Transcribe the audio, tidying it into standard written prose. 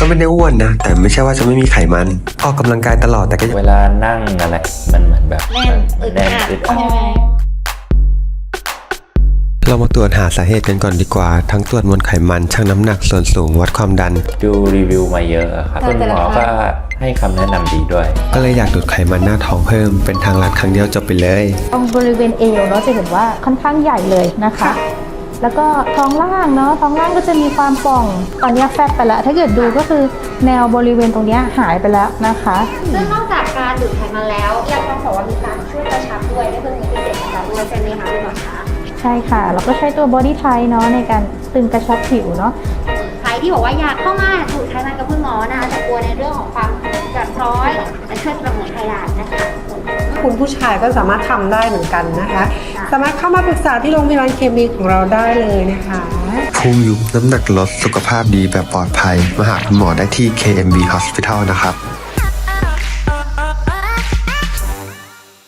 ไม่ได้อ้วนนะแต่ไม่ใช่ว่าจะไม่มีไขมันออกกำลังกายตลอดแต่ก็เวลานั่งอะไรมันเหมือนแบบแน่นอึดอัดใช่ไหมเรามาตรวจหาสาเหตุกันก่อนดีกว่าทั้งตรวจมวลไขมันชั่งน้ำหนักส่วนสูงวัดความดันดูรีวิวมาเยอะครับคุณหมอก็ให้คำแนะนำดีด้วยก็เลยอยากดูดไขมันหน้าท้องเพิ่มเป็นทางลัดครั้งเดียวจบไปเลยตรงบริเวณเอวเนาะจะเห็นว่าค่อนข้างใหญ่เลยนะคะแล้วก็ท้องล่างเนาะท้องล่างก็จะมีความป่องตอนนี้แฟบไปแล้วถ้าเกิดดูก็คือแนวบริเวณตรงนี้หายไปแล้วนะคะซึ่งนอกจากการดูดไขมันแล้วยังต้องบอกว่ามีการช่วยกระชับด้วยได้เพิ่มพิเศษนะคะด้วยใช่ไหมคะคุณหมอคะใช่ค่ะเราก็ใช้ตัว Body Tight เนาะในการตึงกระชับผิวเนาะใครที่บอกว่าอยากเข้ามาดูดไขมันกับคุณหมอนะคะแต่กลัวในเรื่องของความกัดร้อยและช่วยสมุนไพรนะคะคุณผู้ชายก็สามารถทำได้เหมือนกันนะคะสามารถเข้ามาปรึกษาที่โรงพยาบาลเคมีของเราได้เลยนะคะพุงยุบน้ำหนักลดสุขภาพดีแบบปลอดภัยมาหาคุณหมอได้ที่ KMB Hospital นะครับ